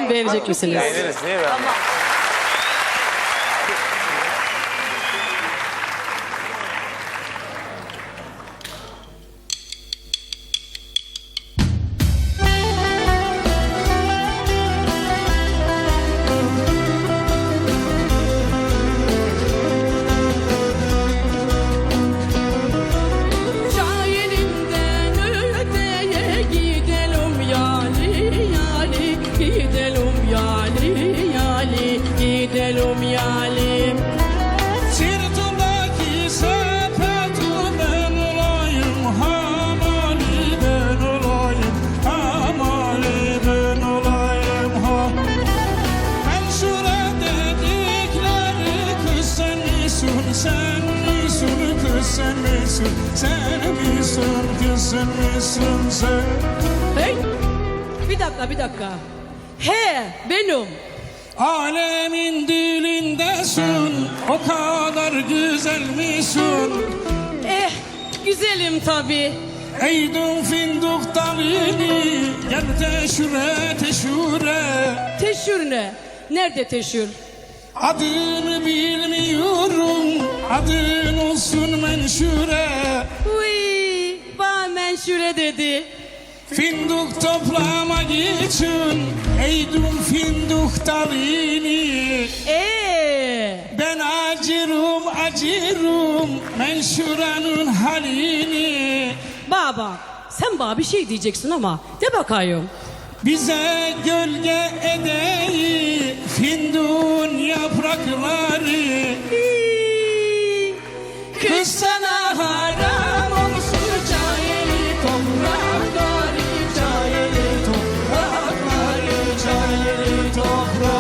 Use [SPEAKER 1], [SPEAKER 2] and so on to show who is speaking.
[SPEAKER 1] Bakalım beğenecek misiniz?
[SPEAKER 2] Beğeniriz değil mi?
[SPEAKER 3] Şairimden öteye gidelim yali yali, gidelim yali yali, gidelim yali.
[SPEAKER 4] Sırtımdaki sepeti ben olayım, hamali ben olayım, hamali ben olayım ha. Ben şura dedikleri kız sen misin, sen misin kız sen misin, sen misin kız sen misin sen.
[SPEAKER 3] Hey, bir dakika. He, benim.
[SPEAKER 4] Alemin dilindesin, o kadar güzel misin?
[SPEAKER 3] Güzelim tabii.
[SPEAKER 4] Eydin fındık dalini, gel teşüre teşüre.
[SPEAKER 3] Teşhür ne? Nerede teşhür?
[SPEAKER 4] Adını bilmiyorum, adın olsun menşure.
[SPEAKER 3] Uy, bana menşure dedi.
[SPEAKER 4] Fındık toplamak için, eydin fındık dalini. Ben acırım menşuranın halini.
[SPEAKER 3] Baba, sen bana bir şey diyeceksin ama de bakayım.
[SPEAKER 4] Bize gölge edeyi fındığın yaprakları. Kız sana haram olsun cahili toprakları, cahili toprakları, cahili toprakları.